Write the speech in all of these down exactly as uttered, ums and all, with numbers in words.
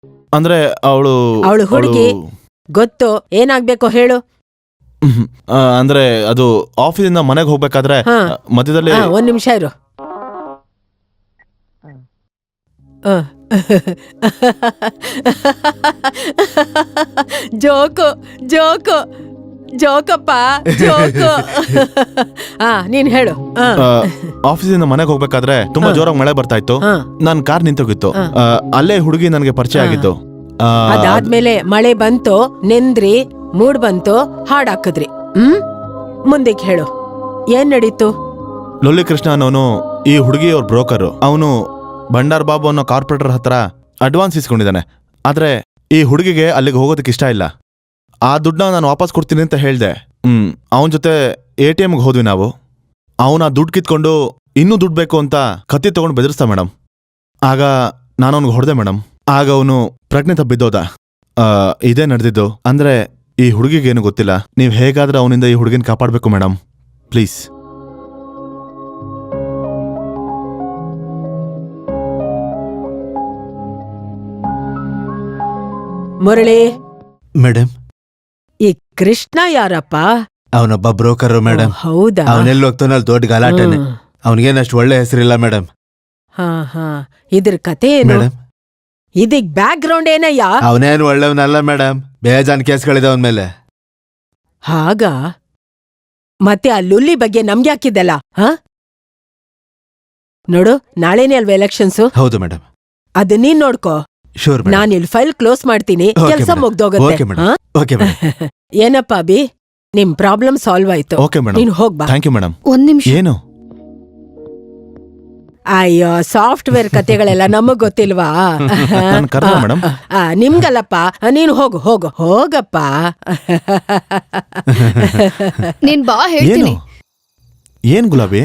ಅಂದ್ರೆ ಅವಳು ಅವಳು ಹುಡುಗಿ ಗೊತ್ತು, ಏನಾಗ್ಬೇಕೋ ಹೇಳು. ಅಂದ್ರೆ ಅದು ಆಫೀಸಿಂದ ಮನೆಗೆ ಹೋಗ್ಬೇಕಾದ್ರೆ ಮಧ್ಯದಲ್ಲಿ ಒಂದ್ ನಿಮಿಷ ಇರು. ಜೋಕು ಜೋಕು ಜೋಕಪ್ಪ ಜೋಕು. ಹಾ ನೀನ್ ಹೇಳು. ಆಫೀಸಿಂದ ಮನೆಗೆ ಹೋಗ್ಬೇಕಾದ್ರೆ ತುಂಬಾ ಜೋರಾಗಿ ಮಳೆ ಬರ್ತಾ ಇತ್ತು. ನನ್ ಕಾರ್ ನಿಂತೋಗಿತ್ತು. ಅಲ್ಲೇ ಹುಡುಗಿ ನನ್ಗೆ ಪರಿಚಯ ಆಗಿತ್ತು. ಅದಾದ್ಮೇಲೆ ಮಳೆ ಬಂತು, ನೆಂದ್ರಿ, ಮೂಡ್ ಬಂತು, ಹಾಡ್ ಹಾಕಿದ್ರಿ. ಹ್ಮ್ ಮುಂದಕ್ಕೆ ಹೇಳು, ಏನ್ ನಡೀತು? ಲೊಲ್ಲಿ ಕೃಷ್ಣ ಅನ್ನೋನು ಈ ಹುಡುಗಿ ಅವ್ರ ಬ್ರೋಕರ್. ಅವನು ಭಂಡಾರ್ ಬಾಬು ಅನ್ನೋ ಕಾರ್ಪೊರೇಟರ್ ಹತ್ರ ಅಡ್ವಾನ್ಸ್ ಇಸ್ಕೊಂಡಿದ್ದಾನೆ. ಆದ್ರೆ ಈ ಹುಡುಗಿಗೆ ಅಲ್ಲಿಗೆ ಹೋಗೋದಕ್ಕೆ ಇಷ್ಟ ಇಲ್ಲ. ಆ ದುಡ್ಡನ್ನ ನಾನು ವಾಪಸ್ ಕೊಡ್ತೀನಿ ಅಂತ ಹೇಳ್ದೆ. ಹ್ಮ್ ಅವನ ಜೊತೆ ಎ ಟಿ ಎಮ್ಗೆ ಹೋದ್ವಿ ನಾವು. ಅವನ ದುಡ್ಡು ಕಿತ್ಕೊಂಡು ಇನ್ನೂ ದುಡ್ಡು ಬೇಕು ಅಂತ ಕತ್ತಿ ತಗೊಂಡು ಬೆದರಿಸ್ತಾ ಮೇಡಮ್. ಆಗ ನಾನು ಅವ್ನಿಗೆ ಹೊಡೆದೆ ಮೇಡಮ್. ಆಗ ಅವನು ಪ್ರಜ್ಞೆ ತಪ್ಪಿದ್ದೋದ. ಇದೇ ನಡೆದಿದ್ದು. ಅಂದ್ರೆ ಈ ಹುಡುಗಿಗೇನು ಗೊತ್ತಿಲ್ಲ. ನೀವು ಹೇಗಾದ್ರೆ ಅವನಿಂದ ಈ ಹುಡುಗಿನ ಕಾಪಾಡಬೇಕು ಮೇಡಮ್, ಪ್ಲೀಸ್. ಮುರಳಿ ಮೇಡಮ್, ಈ ಕೃಷ್ಣ ಯಾರಪ್ಪ? ಅವನೊಬ್ಬ ಬ್ರೋಕರ್ ಮೇಡಮ್. ಹೌದಾ? ಅವನೆಲ್ಲಿ ಹೋಗ್ತಾನ ಅಲ್ಲಿ ದೊಡ್ಡ ಗಲಾಟೆನೆ. ಅವನಿಗೇನಷ್ಟು ಒಳ್ಳೆ ಹೆಸರಿಲ್ಲ ಮೇಡಮ್. ಹಾ ಹಾ ಇದ್ರ ಕತೆ ಏನು ಮೇಡಮ್? ಇದಕ್ ಬ್ಯಾಕ್ ಗ್ರೌಂಡ್ ಏನಯ್ಯ? ಅವನೇನು ಒಳ್ಳೆಯವನಲ್ಲ ಮೇಡಮ್. ಬೇಜಾನ್ ಕೇಸ್ಗಳಿದೆ ಅವನ ಮೇಲೆ. ಹಾಗ ಮತ್ತೆ ಆ ಲುಲ್ಲಿ ಬಗ್ಗೆ ನಮ್ಗೆ ಹಾಕಿದ್ದಲ್ಲ? ಹಾ ನೋಡು, ನಾಳೆನೇ ಅಲ್ವಾ ಎಲೆಕ್ಷನ್ಸು? ಹೌದು ಮೇಡಮ್. ಅದ್ ನೀನ್ ನೋಡ್ಕೋ. ಶೂರ್. ನಾನ್ ಇಲ್ಲಿ ಫೈಲ್ ಕ್ಲೋಸ್ ಮಾಡ್ತೀನಿ, ಕೆಲ್ಸ ಮುಗ್ದೋಗುತ್ತೆ. ಏನಪ್ಪಾ ಅಭಿ, ನಿಮ್ ಪ್ರಾಬ್ಲಮ್ ಸಾಲ್ವ್ ಆಯ್ತು. ನೀನ್ ಹೋಗ್ಬಾ. Thank you madam. ಒಂದ್ ನಿಮಿಷ. ಏನು? ಅಯ್ಯೋ, ಸಾಫ್ಟ್ವೇರ್ ಕತೆಗಳೆಲ್ಲ ನಮಗ್ ಗೊತ್ತಿಲ್ವಾ? ಮೇಡಮ್ ನಿಮ್ಗಲ್ಲಪ್ಪ, ನೀನು ಹೋಗು ಹೋಗು ಹೋಗಪ್ಪ. ನೀನ್ ಬಾ, ಹೇಳ್ತೀನಿ. ಏನ್ ಗುಲಾಬಿ,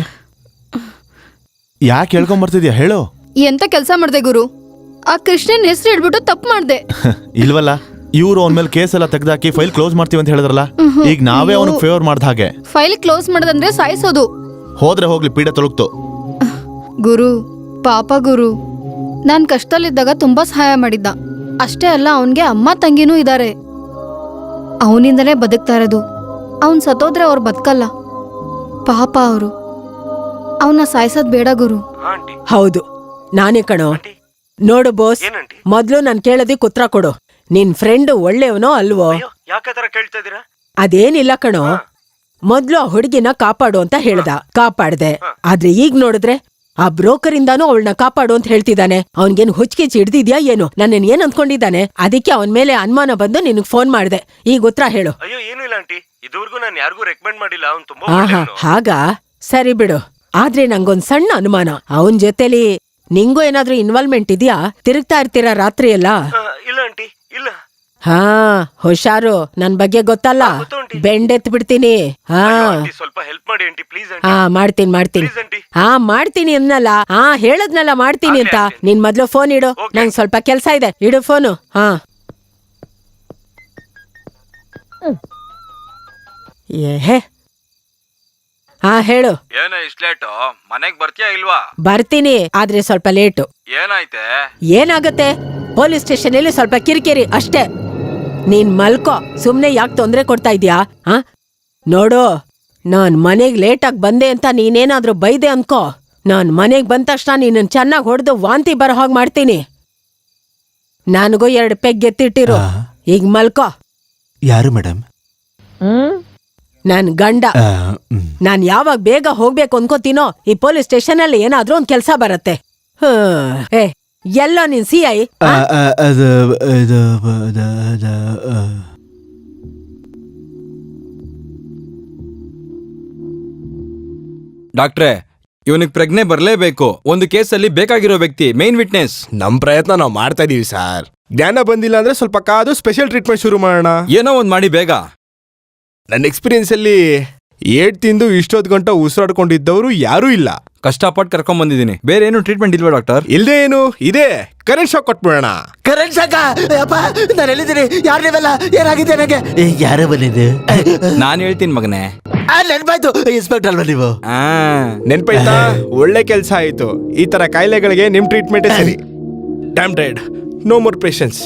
ಯಾಕೆ ಹೇಳ್ಕೊಂಬರ್ತಿದ್ಯಾ ಹೇಳು? ಎಂತ ಕೆಲ್ಸ ಮಾಡ್ದೆ ಗುರು? ಆ ಕೃಷ್ಣನ್ ಹೆಸರು ಹೇಳ್ಬಿಟ್ಟು ತಪ್ಪು ಮಾಡ್ದೆ. ಇಲ್ವಲ್ಲ, ಇವ್ರು ಅವನ ಮೇಲೆ ಕೇಸ್ ಎಲ್ಲ ತೆಗ್ದಾಕಿ ಫೈಲ್ ಕ್ಲೋಸ್ ಮಾಡ್ತೀವಿ ಅಂತ ಹೇಳಿದ್ರಲ್ಲ. ಈಗ ನಾವೇ ಅವನಿಗೆ ಫೇವರ್ ಮಾಡ್ದ ಹಾಗೆ. ಫೈಲ್ ಕ್ಲೋಸ್ ಮಾಡೋದಂದ್ರೆ ಸಾಯಿಸೋದು. ಹೋದ್ರೆ ಹೋಗ್ಲಿ, ಪೀಡೆ ತೊಳಗ್ತು. ಗುರು, ಪಾಪ ಗುರು, ನಾನ್ ಕಷ್ಟದಲ್ಲಿದ್ದಾಗ ತುಂಬಾ ಸಹಾಯ ಮಾಡಿದ್ದ. ಅಷ್ಟೇ ಅಲ್ಲ, ಅವನ್ಗೆ ಅಮ್ಮ ತಂಗಿನೂ ಇದಾರೆ. ಅವನಿಂದಲೇ ಬದುಕ್ತಾ ಇರೋದು. ಅವನ್ ಸತ್ತೋದ್ರೆ ಅವ್ರು ಬದುಕಲ್ಲ. ಪಾಪ ಅವರು. ಅವನ್ನ ಸಾಯಿಸೋದ್ ಬೇಡ ಗುರು. ಹೌದು, ನಾನೇ ಕಣೋ. ನೋಡು ಬೋಸ್, ಮೊದ್ಲು ನಾನ್ ಕೇಳೋದಕ್ಕೆ ಉತ್ತರ ಕೊಡು. ನಿನ್ ಫ್ರೆಂಡ್ ಒಳ್ಳೆಯವನೋ ಅಲ್ವೋ? ಅದೇನಿಲ್ಲ ಕಣೋ, ಮೊದ್ಲು ಆ ಹುಡುಗಿನ ಕಾಪಾಡು ಅಂತ ಹೇಳ್ದ, ಕಾಪಾಡ್ದೆ. ಆದ್ರೆ ಈಗ ನೋಡಿದ್ರೆ ಆ ಬ್ರೋಕರ್ ಇಂದಾನು ಅವಳನ್ನ ಕಾಪಾಡು ಅಂತ ಹೇಳ್ತಿದ್ದಾನೆ. ಅವನ್ಗೇನು ಹುಚ್ಚಿಗೆ ಹಿಡ್ದಿದ್ಯಾ ಏನು? ನನ್ನ ಏನ್ ಅಂದ್ಕೊಂಡಿದ್ದಾನೆ? ಅದಕ್ಕೆ ಅವನ್ ಮೇಲೆ ಅನುಮಾನ ಬಂದು ನಿನಗ್ ಫೋನ್ ಮಾಡ್ದೆ. ಈಗ ಉತ್ತರ ಹೇಳು. ಆಹಾ, ಹಾಗ ಸರಿ ಬಿಡು. ಆದ್ರೆ ನಂಗೊಂದ್ ಸಣ್ಣ ಅನುಮಾನ. ಅವನ್ ಜೊತೆಲಿ ನಿಂಗೂ ಏನಾದ್ರೂ ಇನ್ವಾಲ್ವ್ಮೆಂಟ್ ಇದೆಯಾ? ತಿರುಗ್ತಾ ಇರ್ತೀರಾ ರಾತ್ರಿ ಎಲ್ಲ? ಹಾ, ಹುಷಾರು, ನನ್ ಬಗ್ಗೆ ಗೊತ್ತಲ್ಲ, ಬೆಂಡೆತ್ ಬಿಡ್ತೀನಿ. ಹಾ ಹಾ ಮಾಡ್ತೀನಿ ಮಾಡ್ತೀನಿ ಹಾ ಮಾಡ್ತೀನಿ ಅನ್ನಲ್ಲ. ಹಾ ಹೇಳದ್ನಲ್ಲ ಮಾಡ್ತೀನಿ ಅಂತ. ನಿನ್ ಮೊದ್ಲು ಫೋನ್ ಇಡು, ನಂಗ್ ಸ್ವಲ್ಪ ಕೆಲ್ಸ ಇದೆ. ಇಡು ಫೋನು. ಹಾ ಏಹೇ ಹಾ ಹೇಳು. ಏನೋ ಇಷ್ಟ ಲೇಟು? ಮನೆಗ್ ಬರ್ತೀಯಾ ಇಲ್ವಾ? ಬರ್ತೀನಿ, ಆದ್ರೆ ಸ್ವಲ್ಪ ಲೇಟು. ಏನಾಯ್ತೆ? ಏನಾಗತ್ತೆ, ಪೊಲೀಸ್ ಸ್ಟೇಷನ್ ಅಲ್ಲಿ ಸ್ವಲ್ಪ ಕಿರಿಕಿರಿ ಅಷ್ಟೇ. ನೀನ್ ಮಲ್ಕೋ, ಸುಮ್ನೆ ಯಾಕೆ ತೊಂದ್ರೆ ಕೊಡ್ತಾ ಇದ್ಯಾ? ಹಾ ನೋಡು, ನಾನ್ ಮನೆಗ್ ಲೇಟಾಗಿ ಬಂದೆ ಅಂತ ನೀನೇನಾದ್ರೂ ಬೈದೆ ಅನ್ಕೋ, ನಾನ್ ಮನೆಗ್ ಬಂದ ತಕ್ಷಣ ನೀನನ್ ಚೆನ್ನಾಗ್ ಹೊಡೆದು ವಾಂತಿ ಬರೋ ಹಾಗೆ ಮಾಡ್ತೀನಿ. ನನಗೂ ಎರಡು ಪೆಗ್ ಎತ್ತಿಟ್ಟಿರು. ಈಗ ಮಲ್ಕೋ. ಯಾರು ಮೇಡಮ್? ಹ್ಮ್ ನನ್ ಗಂಡ. ನಾನ್ ಯಾವಾಗ ಬೇಗ ಹೋಗ್ಬೇಕು ಅನ್ಕೋತೀನೋ, ಈ ಪೊಲೀಸ್ ಸ್ಟೇಷನ್ ಅಲ್ಲಿ ಏನಾದ್ರೂ ಒಂದ್ ಕೆಲ್ಸ ಬರತ್ತೆ. ಏ ಎಲ್ಲ ನಿನ್ ಸಿ ಐ. ಡಾಕ್ಟ್ರೆ, ಇವನಿಗೆ ಪ್ರಜ್ಞೆ ಬರ್ಲೇಬೇಕು. ಒಂದು ಕೇಸಲ್ಲಿ ಬೇಕಾಗಿರೋ ವ್ಯಕ್ತಿ, ಮೇನ್ ವಿಟ್ನೆಸ್. ನಮ್ ಪ್ರಯತ್ನ ನಾವು ಮಾಡ್ತಾ ಇದೀವಿ ಸರ್. ಜ್ಞಾನ ಬಂದಿಲ್ಲ ಅಂದ್ರೆ ಸ್ವಲ್ಪ ಕಾದು ಸ್ಪೆಷಲ್ ಟ್ರೀಟ್ಮೆಂಟ್ ಶುರು ಮಾಡೋಣ. ಏನೋ ಒಂದ್ ಮಾಡಿ ಬೇಗ. ನನ್ನ ಎಕ್ಸ್ಪೀರಿಯನ್ಸ್ ಅಲ್ಲಿ ಏಟ್ ತಿಂದು ಇಷ್ಟೊತ್ತು ಗಂಟೆ ಉಸಿರಾಡ್ಕೊಂಡಿದ್ದವರು ಯಾರೂ ಇಲ್ಲ. ಕಷ್ಟಪಟ್ಟು ಕರ್ಕೊಂಡ್ ಬಂದಿದ್ದೀನಿ. ಬೇರೆ ಏನು ಟ್ರೀಟ್ಮೆಂಟ್ ಇಲ್ವಾ ಡಾಕ್ಟರ್? ಇಲ್ದೇ ಏನು ಇದೆ, ಕರೆಂಟ್ ಶಾಕ್ ಕೊಟ್ಬಿಡೋಣ. ಕರೆಂಟ್ ಶಾಕ? ನಾನು ಎಲ್ಲಿದ್ದೀನಿ? ಯಾರು ನೀವೆಲ್ಲ? ಏನಾಗಿದೆ ನನಗೆ? ಯಾರೇ ಬಂದಿದ್ದು? ನಾನ್ ಹೇಳ್ತೀನಿ ಮಗನೇ. ನೆನ್ಪಾಯ್ತು, ಇನ್ಸ್ಪೆಕ್ಟರ್ ಅಲ್ವಾ ನೀವು? ನೆನ್ಪಾಯ್ತಾ? ಒಳ್ಳೆ ಕೆಲ್ಸ ಆಯ್ತು. ಈ ತರ ಕಾಯಿಲೆಗಳಿಗೆ ನಿಮ್ ಟ್ರೀಟ್ಮೆಂಟ್ ಸರಿ. Damn dead, no more patience.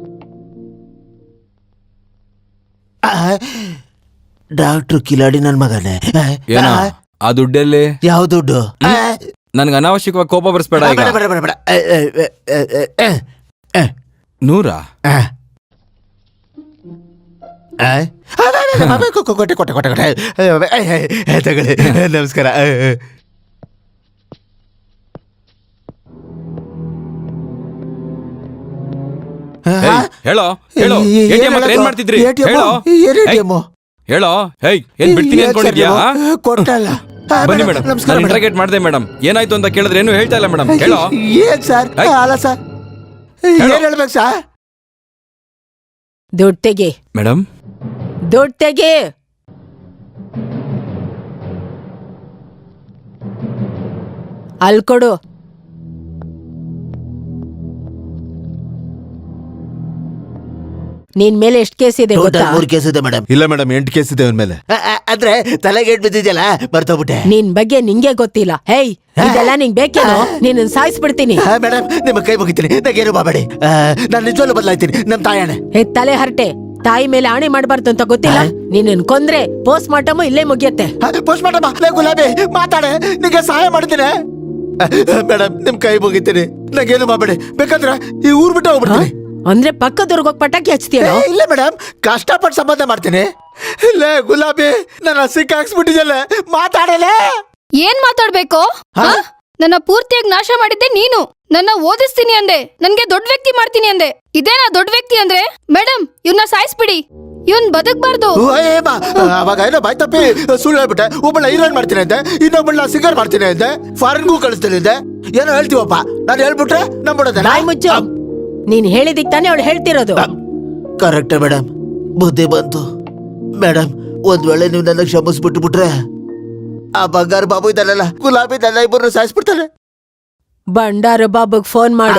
Doctor ಕಿಲಾಡಿ ನನ್ ಮಗನೇ. ಏನೋ ಆ ದುಡ್ಡಲ್ಲಿ ಯಾವ ದುಡ್ಡು? ನನ್ಗೆ ಅನಾವಶ್ಯಕವಾಗಿ ಕೋಪ ಬರ್ಸ್ಬೇಡ ಈಗ. ಬೇಡ, ಬೇಡ, ಬೇಡ, ಬೇಡ. ಏ, ಏ, ಏ, ಏ, ಏ, ಏ, ನೂರಾ ಆ. ಆ? ಆ, ಬೇಡ, ಬೇಡ, ಬೇಡ, ಕೊ- ಕೊ- ಕೊಟ್ಟೆ ಕೊಟ್ಟೆ ಕೊಟ್ಟೆ ಕೊಟ್ಟೆ ಏ, ಏ, ಏ, ಏ, ತಗೊಳ್ಳಿ. ನಮಸ್ಕಾರ. ಏ, ಏ. ಹೇಯ್, ಹೇಳೋ ಹೇಳೋ ಏ- ಏನ್ ಎ ಟಿ ಎಂ ಹತ್ರ ಏನ್ ಹೇಳೋದು? ಮಾಡ್ತಿದ್ರಿ? A T M? ಹೇಳೋ ಏನ್ ಎ ಟಿ ಎಂ? ಹೇಳೋ ಹೇಯ್ ಏನ್ ಬಿಡ್ತೀನಿ ಏನ್ ಅನ್ಕೊಂಡಿದ್ಯಾ? ಸರ್ ನೀವು? ಕೊಟ್ಟಲ್ಲ. ಆ, ಬನ್ನಿ ಮೇಡಮ್, ಮೇಡಮ್, ನಮಸ್ಕಾರ ನಾನು ಮೇಡಮ್. ಇಂಟ್ರಾಗೇಟ್ ಮಾಡಿದೆ ಮೇಡಮ್. ಏನಾಯ್ತು ಅಂತ ಕೇಳಿದ್ರೆ ಏನು ಹೇಳ್ತಾ ಇಲ್ಲ ಮೇಡಮ್. ಹೇಳೋ ಏನ್ ಸರ್? ಏಯ್. ಅಲ್ಲ ಸರ್, ಹೇಳು. ಏನ್ ಹೇಳ್ಬೇಕು ಸರ್? ದುಡ್ಡು ತೆಗಿ, ಮೇಡಮ್. ದುಡ್ಡು ತೆಗಿ. ಅಲ್ಲಿ ಕೊಡು. ನಿನ್ ಮೇಲೆ ಎಷ್ಟು ಕೇಸ್ ಇದೆ ಟೋಟಲ್ ಗೊತ್ತಾ? ಮೂರು ಕೇಸ್ ಇದೆ ಮೇಡಮ್. ಇಲ್ಲ ಮೇಡಮ್, ಎಂಟು ಕೇಸ್ ಇದೆ ಅವನ ಮೇಲೆ. ಅ- ಅ- ಅಂದ್ರೆ ತಲೆಗೆ ಏಟ್ ಬಿದ್ದಿದ್ಯಲ್ಲ, ಬರ್ತೋಗ್ಬಿಟ್ಟೆ. ನಿನ್ ಬಗ್ಗೆ ನಿಂಗೆ ಗೊತ್ತಿಲ್ಲ. ಹೇಯ್, ಇದೆಲ್ಲ ನಿಂಗ್ ಬೇಕೇನೋ? ನಿನ್ನ ಸಾಯಿಸ್ಬಿಡ್ತೀನಿ. ಹಾ ಮೇಡಮ್, ನಿಮ್ಮ ಕೈ ಮುಗಿತೀನಿ, ನಂಗೇನು ಮಾಡಬೇಡಿ. ನಾನು ನಿಜವಲ್ಲೂ ಬದಲಾಯ್ತೀನಿ, ನಮ್ ತಾಯಣೆ. ಹೇ ತಲೆ ಹರಟೆ, ತಾಯಿ ಮೇಲೆ ಆಣೆ ಮಾಡ್ಬಾರ್ದು ಅಂತ ಗೊತ್ತಿಲ್ಲ? ನಿನ್ನ ಕೊಂದ್ರೆ ಪೋಸ್ಟ್ ಮಾರ್ಟಮ್ ಇಲ್ಲೇ ಮುಗಿಯತ್ತೆ. ಪೋಸ್ಟ್ ಮಾಡಮ್ಮ, ಲೇ ಗುಲಾಬಿ ಮಾತಾಡೆ, ನಿಂಗೆ ಸಹಾಯ ಮಾಡ್ತೀನಿ. ಮೇಡಮ್, ನಿಮ್ ಕೈ ಮುಗಿತೀನಿ, ನಂಗೇನು ಮಾಡಬೇಡಿ. ಬೇಕಾದ್ರೆ ಈ ಊರ್ ಬಿಟ್ಟು ಹೋಗ್ಬಿಡ್ತೀನಿ. ಅಂದ್ರೆ ಪಕ್ಕದವ್ರಿಗೆ ಹೋಗಿ ಪಟಾಕಿ ಹಚ್ತೀಯೋ? ಏ, ಇಲ್ಲ ಮೇಡಮ್, ಕಷ್ಟಪಟ್ಟು ಸಂಬಂಧ ಮಾಡ್ತೀನಿ. ಲೇ ಗುಲಾಬಿ, ನನ್ನ ಸಿಕ್ಕಾಕ್ಸ್ಬಿಟ್ಟಿದ್ದಲ್ಲ, ಮಾತಾಡಲೇ. ಏನ್ ಮಾತಾಡ್ಬೇಕು? ಹಾ? ಹಾ? ನನ್ನ ಪೂರ್ತಿಯಾಗಿ ನಾಶ ಮಾಡಿದ್ದೆ ನೀನು. ನನ್ನ ಓದಿಸ್ತೀನಿ ಅಂದೆ, ನನ್ಗೆ ದೊಡ್ಡ ವ್ಯಕ್ತಿ ಮಾಡ್ತೀನಿ ಅಂದೆ. ಇದೇನಾ ದೊಡ್ಡ ವ್ಯಕ್ತಿ ಅಂದ್ರೆ? ಮೇಡಮ್, ಇವ್ನ ಸಾಯಿಸ್ಬಿಡಿ, ಇವನ್ ಬದುಕ್ಬಾರ್ದು. ಓ, ಏಮ್ಮ, ಅವಾಗ ಏನೋ ಬಾಯ್ ತಪ್ಪಿ ಸುಳ್ಳು ಹೇಳ್ಬಿಟ್ಟೆ. ಒಬ್ಬಳ ಹೀರೋಯಿನ್ ಮಾಡ್ತೀನಿ ಅಂತೆ, ಇನ್ನೊಬ್ಬಳ ಸಿಂಗರ್ ಮಾಡ್ತೀನಿ ಅಂತೆ, ಫಾರಿನ್ಗೂ ಕಳಿಸ್ತೀನಿ ಅಂತೆ. ಏನೋ ಹೇಳ್ತೀವಪ್ಪ, ನಾನು ಹೇಳ್ಬಿಟ್ರೆ ನಂಬಿಡೋದಲ್ಲ. ಬಾಯ್ ಮುಚ್ಚು. ನೀನ್ ಹೇಳಿದಿಕ್ ತಾನೇ ಅವಳು ಹೇಳ್ತಿರೋದು. ಕರೆಕ್ಟ್ ಮೇಡಮ್, ಬುದ್ಧಿ ಬಂತು. ಮೇಡಮ್, ಒಂದ್ ವೇಳೆ ನೀವು ನನ್ನ ಕ್ಷಮಿಸ್ಬಿಟ್ಟು ಬಿಟ್ರೆ ಆ ಬಂಗಾರ ಬಾಬು ಇದ್ದಾನಲ್ಲ, ಗುಲಾಬಿ ನನ್ನ ಇಬ್ಬರನ್ನು ಸಾಯಿಸ್ಬಿಡ್ತಾನೆ. ಬಂಡಾರ ಬಾಬುಗ್ ಫೋನ್ ಮಾಡು.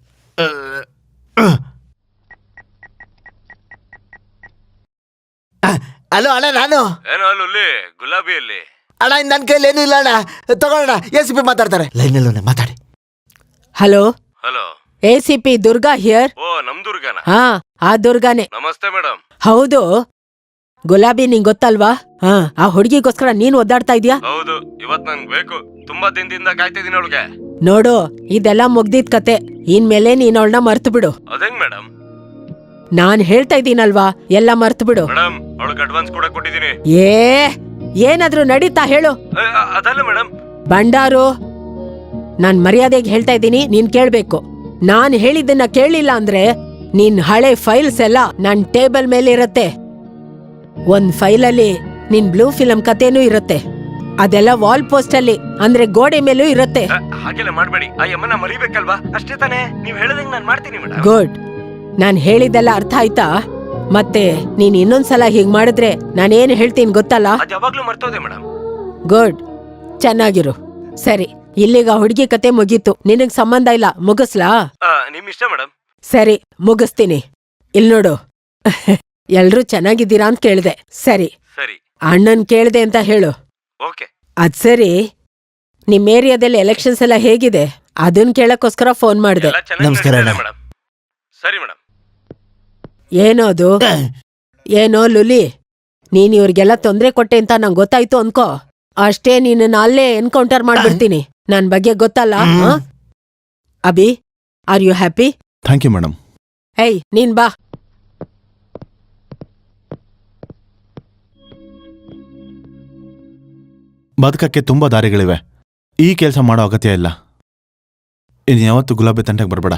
ಹಲೋ ಅಣ್ಣ, ನಾನು ಏನೋ ಅಲ್ಲಿ ಗುಲಾಬಿಯಲ್ಲಿ ಅಣ್ಣ, ನನ್ನ ಕೈಲಿ ಏನೂ ಇಲ್ಲ ಅಣ್ಣ. ತಗೊಳ್ಳೋಣ, ಎ ಸಿ ಪಿ ಮಾತಾಡ್ತಾರೆ. ಲೈನಲ್ಲಿ ಮಾತಾಡಿ. ಹಲೋ, ಹಲೋ. A C P Durga here. ಓ, ನಮ್ ದುರ್ಗನ. ಹಾ, ಆ ದುರ್ಗಾನೆ. ನಮಸ್ತೆ ಮೇಡಮ್. ಹೌದು, ಗುಲಾಬಿ ನಿಂಗ್ ಗೊತ್ತಲ್ವಾ? ಹಾ, ಆ ಹುಡುಗಿಗೋಸ್ಕರ ನೀನ್ ಒದ್ದಾಡ್ತಾ ಇದ್ಯಾ? ಹೌದು, ಇವತ್ ನಂಗ್ ಬೇಕು. ತುಂಬಾ ದಿನದಿಂದ ಕಾಯ್ತಿದ್ದೀನಿ ಅವಳಿಗೆ. ನೋಡು, ಇದೆಲ್ಲ ಮುಗ್ದಿದ್ ಕತೆ. ಇನ್ಮೇಲೆ ನೀನ್ ಅವಳನ್ನ ಮರ್ತು ಬಿಡು. ಅದೇಂಗ್ ಮೇಡಮ್? ನಾನ್ ಹೇಳ್ತಾ ಇದ್ದೀನಲ್ವಾ, ಎಲ್ಲ ಮರ್ತು ಬಿಡು. ಮೇಡಮ್, ಅವಳಿಗೆ ಅಡ್ವಾನ್ಸ್ ಕೂಡ ಕೊಟ್ಟಿದ್ದೀನಿ. ಏ ಏನಾದ್ರೂ ನಡೀತಾ ಹೇಳು. ಅ, ಅ, ಅದಲ್ಲ ಮೇಡಮ್. ಬಂಡಾರು, ನಾನ್ ಮರ್ಯಾದೆಗೆ ಹೇಳ್ತಾ ಇದ್ದೀನಿ, ನೀನ್ ಕೇಳ್ಬೇಕು. ನಾನ್ ಹೇಳಿದ್ದನ್ನ ಕೇಳಿಲ್ಲ ಅಂದ್ರೆ ನಿನ್ ಹಳೆ ಫೈಲ್ಸ್ ಎಲ್ಲ ನನ್ ಟೇಬಲ್ ಮೇಲೆ ಇರತ್ತೆ. ಒಂದ್ ಫೈಲಲ್ಲಿ ನಿನ್ ಬ್ಲೂ ಫಿಲಂ ಕಥೆನೂ ಇರತ್ತೆ. ಅದೆಲ್ಲ ವಾಲ್ ಪೋಸ್ಟ್ ಅಲ್ಲಿ, ಅಂದ್ರೆ ಗೋಡೆ ಮೇಲೂ ಇರತ್ತೆ. ಅ, ಹಾಗೆಲ್ಲ ಮಾಡ್ಬೇಡಿ. ಆ ಯಮ್ಮನ ಮರಿಬೇಕಲ್ವಾ? ಅಷ್ಟೇ ತಾನೇ? ನೀವ್ ಹೇಳದಂಗ್ ನಾನ್ ಮಾಡ್ತೀನಿ ಮೇಡಮ್. ಗುಡ್. ನಾನ್ ಹೇಳಿದ್ದೆಲ್ಲ ಅರ್ಥ ಆಯ್ತಾ? ಮತ್ತೆ ನೀನ್ ಇನ್ನೊಂದ್ಸಲ ಹೀಗ್ ಮಾಡಿದ್ರೆ ನಾನೇನ್ ಹೇಳ್ತೀನಿ ಗೊತ್ತಲ್ಲ? ಅದ್ ಯಾವಾಗ್ಲೂ ಮರ್ತೋದೆ ಮೇಡಮ್. ಗುಡ್, ಚೆನ್ನಾಗಿರು. ಸರಿ, ಇಲ್ಲಿಗ ಹುಡುಗಿ ಕತೆ ಮುಗೀತು. ನಿನಗ್ ಸಂಬಂಧ ಇಲ್ಲ, ಮುಗಿಸ್ಲಾ? ಆ, ನಿಮ್ ಇಷ್ಟ ಮೇಡಮ್. ಸರಿ, ಮುಗಿಸ್ತೀನಿ. ಇಲ್ ನೋಡು, ಎಲ್ರೂ ಚೆನ್ನಾಗಿದ್ದೀರಾ ಅಂತ ಕೇಳ್ದೆ. ಸರಿ, ಸರಿ, ಅಣ್ಣನ್ ಕೇಳ್ದೆ ಅಂತ ಹೇಳು. ಓಕೆ. ಅದ್ ಸರಿ, ನಿಮ್ ಏರಿಯಾದಲ್ಲಿ ಎಲೆಕ್ಷನ್ಸ್ ಎಲ್ಲ ಹೇಗಿದೆ ಅದನ್ ಕೇಳಕ್ಕೋಸ್ಕರ ಫೋನ್ ಮಾಡ್ದೆ. ಎಲ್ಲ ಚೆನ್ನಾಗಿ ನಮಸ್ಕಾರ ನಡೀತಾ ಇದೆ ಅಣ್ಣ. ಮೇಡಮ್. ಸರಿ ಮೇಡಮ್. ಏನೋ ಅದು? ಏನೋ ಲುಲಿ, ನೀನ್ ಇವ್ರಿಗೆಲ್ಲ ತೊಂದ್ರೆ ಕೊಟ್ಟೆ ಅಂತ ನಂಗೆ ಗೊತ್ತಾಯ್ತು ಅನ್ಕೋ. ಅಷ್ಟೇ, ನೀನನ್ನ ಅಲ್ಲೇ ಎನ್ಕೌಂಟರ್ ಮಾಡ್ಬಿಡ್ತೀನಿ. ನನ್ ಬಗ್ಗೆ ಗೊತ್ತಲ್ಲ. ಆ? Abhi, are you happy? Thank you madam. ಏಯ್, ನೀನ್ ಬಾ. ಬದುಕಕ್ಕೆ ತುಂಬಾ ದಾರಿಗಳಿವೆ. ಈ ಕೆಲಸ ಮಾಡೋ ಅಗತ್ಯ ಇಲ್ಲ. ಇನ್ ಯಾವತ್ತು ಗುಲಾಬಿ ತಂಟೆಗೆ ಬರಬೇಡ.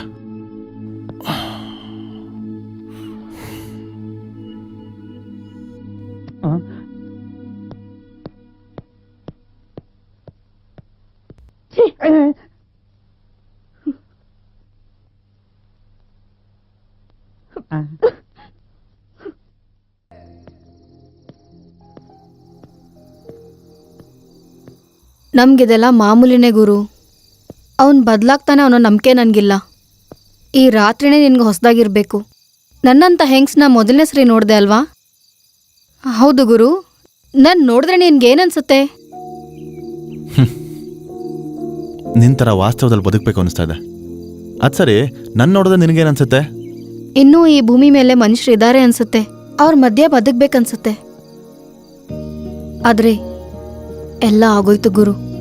ನಮ್ಗಿದೆಲ್ಲ ಮಾಮೂಲಿನೇ ಗುರು. ಅವನ್ ಬದ್ಲಾಗ್ತಾನೆ ಅನ್ನೋ ನಂಬಿಕೆ ನನ್ಗಿಲ್ಲ. ಈ ರಾತ್ರಿನೇ ನಿನ್ಗೆ ಹೊಸದಾಗಿರ್ಬೇಕು. ನನ್ನಂತ ಹೆಂಗ್ಸ್ನ ಮೊದಲನೇ ಸರಿ ನೋಡ್ದೆ ಅಲ್ವಾ? ಹೌದು ಗುರು, ನನ್ ನೋಡಿದ್ರೆ ನಿನ್ಗೇನನ್ಸುತ್ತೆ? ನಿನ್ ಥರ ವಾಸ್ತವದಲ್ಲಿ ಬದುಕಬೇಕು ಅನಿಸ್ತಾ ಇದೆ. ಅದ್ ಸರಿ ನನ್ ನೋಡಿದ್ರೆ ನಿನಗೇನ್ ಅನ್ಸುತ್ತೆ? ಇನ್ನೂ ಈ ಭೂಮಿ ಮೇಲೆ ಮನುಷ್ಯರು ಇದ್ದಾರೆ ಅನ್ಸುತ್ತೆ. ಅವ್ರ ಮಧ್ಯೆ ಬದುಕ್ಬೇಕನ್ಸುತ್ತೆ. ಆದ್ರೆ ಎಲ್ಲ ಆಗೋಯ್ತು ಗುರು.